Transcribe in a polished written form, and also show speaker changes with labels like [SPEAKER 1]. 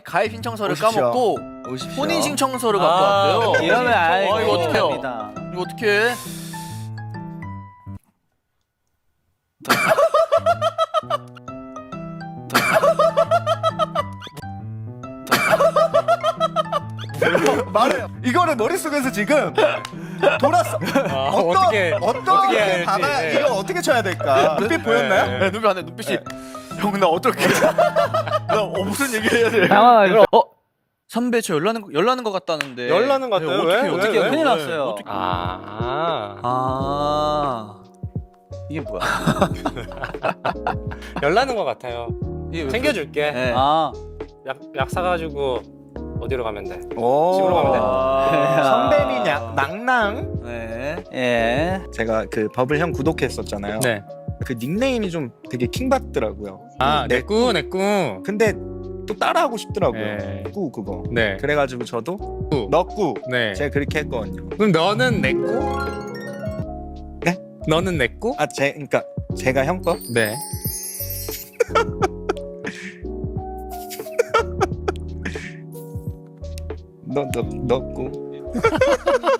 [SPEAKER 1] 가입 신청서를
[SPEAKER 2] 오십시오.
[SPEAKER 1] 까먹고
[SPEAKER 2] 오십시오.
[SPEAKER 1] 혼인 신청서를 갖고 왔대요.
[SPEAKER 3] 이러면
[SPEAKER 1] 이거 어떡해요?
[SPEAKER 3] 됩니다.
[SPEAKER 1] 이거 어떡해?
[SPEAKER 2] 말해요. 이거를 머릿속에서 지금 돌았어.
[SPEAKER 4] 어떻게
[SPEAKER 2] 어떻게
[SPEAKER 4] 해야 될지,
[SPEAKER 2] 받아야
[SPEAKER 4] 네.
[SPEAKER 2] 이거 어떻게 쳐야 될까? 눈빛 보였나요?
[SPEAKER 1] 네, 눈빛 안 해. 눈빛이 형 근데 어떻게? 나 무슨 얘기 해야 돼?
[SPEAKER 3] 당황하죠.
[SPEAKER 1] 선배 저 열나는 것 같다는데.
[SPEAKER 4] 열나는 것 같아요?
[SPEAKER 1] 어떻게
[SPEAKER 4] 왜?
[SPEAKER 1] 어떻게
[SPEAKER 4] 왜?
[SPEAKER 3] 큰일 났어요.
[SPEAKER 1] 어떻게?
[SPEAKER 3] 아
[SPEAKER 1] 이게 뭐야?
[SPEAKER 4] 열나는 것 같아요.
[SPEAKER 1] 이게 왜
[SPEAKER 4] 챙겨줄게.
[SPEAKER 1] 네.
[SPEAKER 3] 아
[SPEAKER 4] 약 사가지고 어디로 가면 돼?
[SPEAKER 2] 오.
[SPEAKER 4] 집으로 가면 돼.
[SPEAKER 2] 선배님 낭낭.
[SPEAKER 1] 네.
[SPEAKER 3] 예.
[SPEAKER 2] 제가 그 버블형 구독했었잖아요.
[SPEAKER 4] 네.
[SPEAKER 2] 그 닉네임이 좀 되게 킹받더라고요.
[SPEAKER 4] 내꾸.
[SPEAKER 2] 근데 또 따라하고 싶더라고요.
[SPEAKER 4] 네.
[SPEAKER 2] 꾸 그거.
[SPEAKER 4] 네.
[SPEAKER 2] 그래가지고 저도
[SPEAKER 4] 꾸.
[SPEAKER 2] 너꾸
[SPEAKER 4] 네.
[SPEAKER 2] 제가 그렇게 했거든요.
[SPEAKER 4] 그럼 너는 내꾸?
[SPEAKER 2] 네?
[SPEAKER 4] 너는 내꾸?
[SPEAKER 2] 그러니까 제가 형 거?
[SPEAKER 4] 네.
[SPEAKER 2] 너꾸.